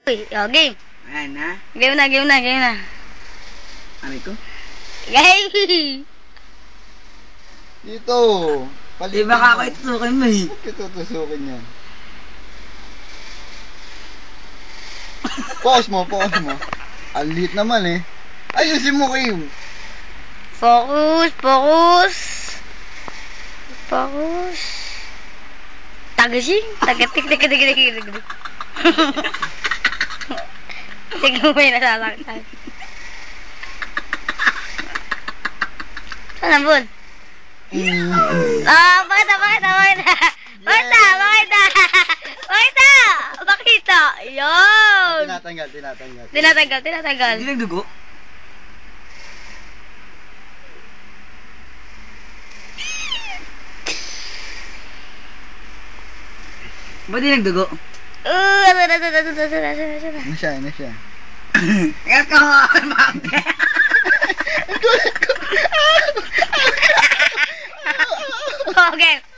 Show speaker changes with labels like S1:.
S1: Uy, oh, game.
S2: Ayan na.
S1: Game na, game na, game na.
S2: Aray ko.
S1: Game!
S3: Dito.
S2: Di ba ako itusukin mo eh?
S3: Ba't kitutusukin yan? Pause mo, pause mo. Ang liit naman eh. Ayusin mo, Kim.
S1: Focus, focus. Focus. Tagasing. Tagatik, tagatik, tagatik, tagatik. Sige mo may nasasaktan. Saan ang bun? Ah, bakit na, bakit na, bakit na? Bakit na, bakit na? Bakit na? Bakit na? Yun!
S3: Tinatanggal, tinatanggal.
S1: Tinatanggal, tinatanggal.
S2: Hindi nagdugo? Ba't di nagdugo?
S3: Ano siya, ano siya?
S2: Ikat ka mo! Bakit?
S1: Okay.